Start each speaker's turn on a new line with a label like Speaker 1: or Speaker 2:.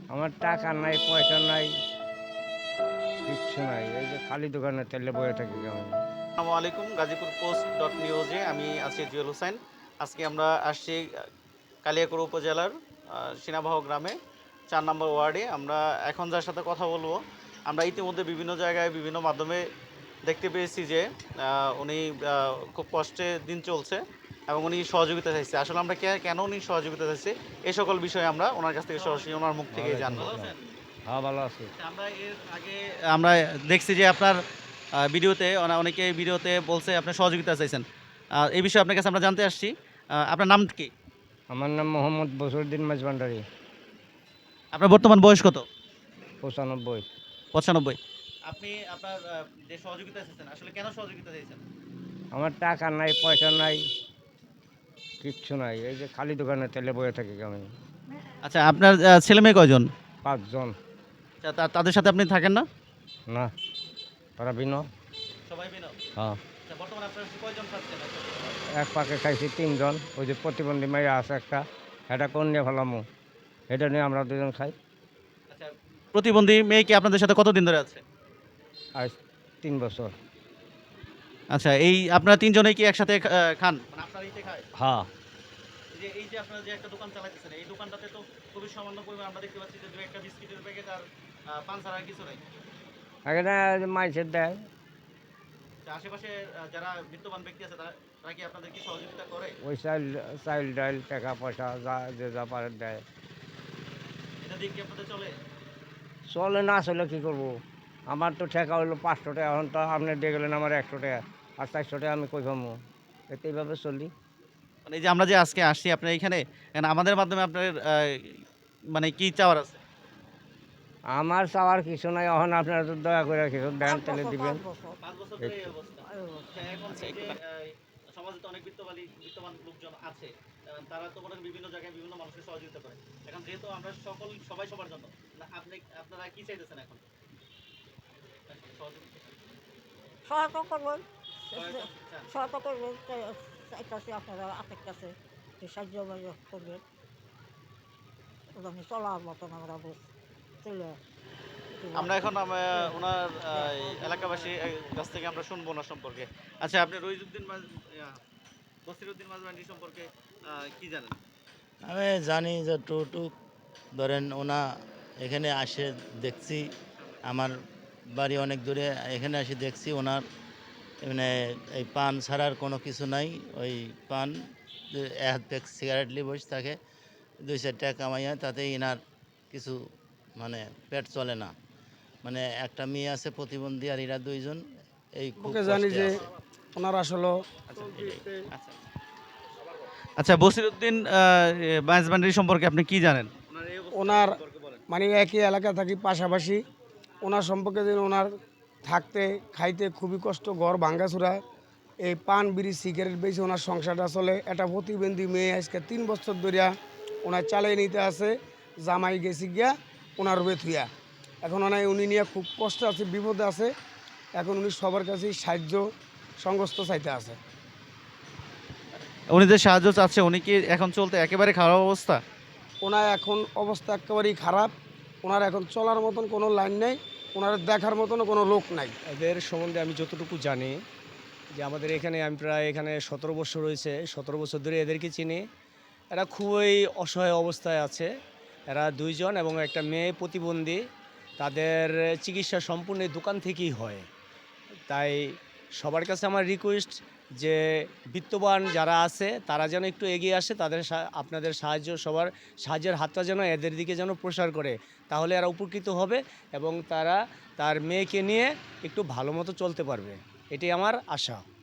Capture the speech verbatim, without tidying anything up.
Speaker 1: আমার টাকা নাই, পয়সা নাই, কিচ্ছু নাই। এই যে খালি দোকানে তেলে বয়ে থাকি কেমন।
Speaker 2: আসসালামু আলাইকুম। গাজীপুর পোস্ট ডট নিউজে আমি আছি জুয়েল হোসেন। আজকে আমরা আসছি আ কালিয়াকৈর উপজেলার আ সিনাবাহ গ্রামে চার নম্বর ওয়ার্ডে। আমরা এখন যার সাথে কথা বলবো, আমরা ইতিমধ্যে বিভিন্ন জায়গায় বিভিন্ন মাধ্যমে দেখতে পেয়েছি যে আ উনি আ খুব কষ্টে দিন চলছে এবং উনি সহযোগিতা চাইছে। আসলে আমরা কে কেন উনি সহযোগিতা চাইছে, এই সকল বিষয়ে আমরা ওনার কাছ থেকে সরাসরি ওনার মুখ থেকেই
Speaker 1: ওয়ালাইকুম
Speaker 2: জানবো।
Speaker 1: আসসালাম। হ্যাঁ, ভালো আছি।
Speaker 2: আচ্ছা, আমরা এর আগে আমরা দেখছি যে আপনার আ ভিডিওতে অনা অনেকে ভিডিওতে বলছে আপনি সহযোগিতা চাইছেন। আ এই বিষয়ে আপনার কাছে আমরা জানতে আসছি। আ আপনার নাম কি?
Speaker 1: আমার নাম মোহাম্মদ বসিরউদ্দিন মাঝভান্ডারী।
Speaker 2: আপনার বর্তমান বয়স কত?
Speaker 1: পঁচানব্বই।
Speaker 2: পঁচানব্বই। আপনি আপনার আ যে সহযোগিতা চাইছেন, আসলে কেন সহযোগিতা চাইছেন?
Speaker 1: আমার টাকা নাই, পয়সা নাই, কিচ্ছু নাই। এই যে খালি দোকানে তেলে বয়ে থাকি কেমন।
Speaker 2: আচ্ছা, আপনার আ ছেলেমেয়ে কয়জন?
Speaker 1: পাঁচজন।
Speaker 2: আচ্ছা, তা তাদের সাথে আপনি থাকেন না?
Speaker 1: না, তারা ভিন্ন।
Speaker 2: সবাই বিনা?
Speaker 1: হ্যাঁ,
Speaker 2: আচ্ছা, বর্তমানে আপনারা কয়জন থাকছেন?
Speaker 1: এক পাকে খাইছি তিনজন। ওই যে প্রতিবন্ধী মাইয়া আছে একটা, এটা কোন নিয়ে ফেলামু, এটা নিয়ে আমরা দুজন খাই।
Speaker 2: আচ্ছা, প্রতিবন্ধী মেয়ে কি আপনাদের সাথে কতদিন ধরে আছে?
Speaker 1: আজ তিন বছর।
Speaker 2: আচ্ছা, এই আপনারা তিন জনেই কি একসাথে খা আ খান? মানে আপনার ইতে খায়?
Speaker 1: হ্যাঁ,
Speaker 2: এই যে এই যে আপনারা যে একটা দোকান চালাইতেছেন, এই দোকানটাতে তো খুবই সামান্য পরিমাণ আমরা দেখতে পাচ্ছি যে দুই একটা বিস্কিটের প্যাকেট আর আ পান ছাড়া আর কিছু নাই।
Speaker 1: এখানে মাইসের দেয়।
Speaker 2: তা আশেপাশে আ যারা বিত্তবান ব্যক্তি আছে তারা তারা কি আপনাদের কি সহযোগিতা করে?
Speaker 1: ওই চাইল চাইল ডাইল টাকা পয়সা যা যে যা পারে দেয়।
Speaker 2: এটা দিয়ে কি আপনাদের চলে?
Speaker 1: চলে না, চলে কী করবো? আমার তো টাকা হইলো পাঁচশো টাকা, এখন তো আপনি দিয়ে গেলেন আমার একশো টাকা, আর চারশো টাকা আমি কই পাবো? এতে এইভাবে চলি।
Speaker 2: মানে এই যে আমরা যে আজকে আসছি আপনার এইখানে, এখানে আমাদের মাধ্যমে আপনার আ মানে কি চাওয়ার আছে?
Speaker 1: আমার চাওয়ার কিছু নাই, এখন আপনারা তো দয়া করে কিছু দেন
Speaker 3: পাঁচ
Speaker 1: তাহলে
Speaker 3: বছর
Speaker 1: দিবেন।
Speaker 3: পাঁচ বছর
Speaker 2: পাঁচ বছর
Speaker 1: এই
Speaker 2: ধরে এই
Speaker 1: তো।
Speaker 2: অবস্থা।
Speaker 3: এই বছর।
Speaker 2: আচ্ছা, এখন এই যে আ সমাজে তো অনেক বিত্তবালী বিত্তবান লোকজন আছে। আ তারা তো মনে করেন বিভিন্ন জায়গায় বিভিন্ন মানুষকে সহযোগিতা করে। এখন যেহেতু আমরা সকল সবাই সবার জন্য। না আপনি আপনারা কি চাইতেছেন এখন? সহযোগিতা
Speaker 3: সহায়তা করবেন
Speaker 2: সহায়তা চান?
Speaker 3: সহায়তা করবেন চাইতেছি আপনারা আপনার কাছে যে সাহায্য বাহায্য করবেন আমি চলার মতন আমরা বুঝ চলে
Speaker 2: আমরা এখন আম উনার আ এলাকাবাসী এ কাছ থেকে আমরা শুনবো উনার সম্পর্কে। আচ্ছা, আপনি রইজুদ্দিন মাঝ ইয়া বসিরউদ্দিন মাঝবান্ডি সম্পর্কে আ কি জানেন?
Speaker 4: আমি জানি যে টুকটুক ধরেন ওনা এখানে আসে দেখছি, আমার বাড়ি অনেক দূরে, এখানে এসে দেখছি ওনার মানে এই পান ছাড়ার কোনো কিছু নাই। ওই পান দু- এক প্যাক সিগারেট নিয়ে বসে থাকে, দুই চার টাকা কামাইয়া তাতে ইনার কিছু মানে পেট চলে না। মানে একটা মেয়ে আছে প্রতিবন্ধী, আর এরা দুইজন এই খুব
Speaker 5: ওকে জানি
Speaker 4: কষ্টে
Speaker 5: যে
Speaker 4: আছে।
Speaker 5: ওনার আসলে
Speaker 2: আচ্ছা, এটাই। আচ্ছা। আচ্ছা, বসিরউদ্দিন আ এ মাঝবান্ডি সম্পর্কে আপনি কি জানেন? উনার এই অবস্থা
Speaker 5: ওনার
Speaker 2: সম্পর্কে বলেন।
Speaker 5: মানে একই এলাকা থাকি পাশাপাশি, ওনার সম্পর্কে যে ওনার থাকতে খাইতে খুবই কষ্ট, ঘর ভাঙ্গাচুরা, এই পান বিড়ি সিগারেট বেশি ওনার সংসারটা চলে। একটা প্রতিবন্ধী মেয়ে আজকে তিন বছর ধরিয়া ওনার চালিয়ে নিতে আছে, জামাই গেছি গিয়া ওনার রূপে থুইয়া। এখন ওনার উনি নিয়ে খুব কষ্ট আছে, বিপদে আছে। এখন উনি সবার কাছেই সাহায্য সংস্থ চাইতে আছে।
Speaker 2: উনি যে সাহায্য চাচ্ছে, উনি কি এখন চলতে একেবারে খারাপ অবস্থা?
Speaker 5: ওনার এখন অবস্থা একেবারেই খারাপ। ওনার এখন চলার মতন কোনো লাইন নেই, ওনার দেখার মতনও কোনো লোক নাই।
Speaker 6: এদের সম্বন্ধে আমি যতটুকু জানি যে আমাদের এখানে আমি প্রায় এখানে সতেরো বছর রয়েছে, সতেরো বছর ধরে এদেরকে চিনি। এরা খুবই অসহায় অবস্থায় আছে। এরা দুইজন এবং একটা মেয়ে প্রতিবন্ধী। তাদের চিকিৎসা সম্পূর্ণ এই দোকান থেকেই হয়। তাই সবার কাছে আমার রিকোয়েস্ট যে বিত্তবান যারা আছে তারা যেন একটু এগিয়ে আসে, তাদের সা- আপনাদের সাহায্য, সবার সাহায্যের হাতটা যেন এদের দিকে যেন প্রসার করে, তাহলে এরা উপকৃত হবে এবং তারা তার মেয়েকে নিয়ে একটু ভালো মতো চলতে পারবে, এটাই আমার আশা।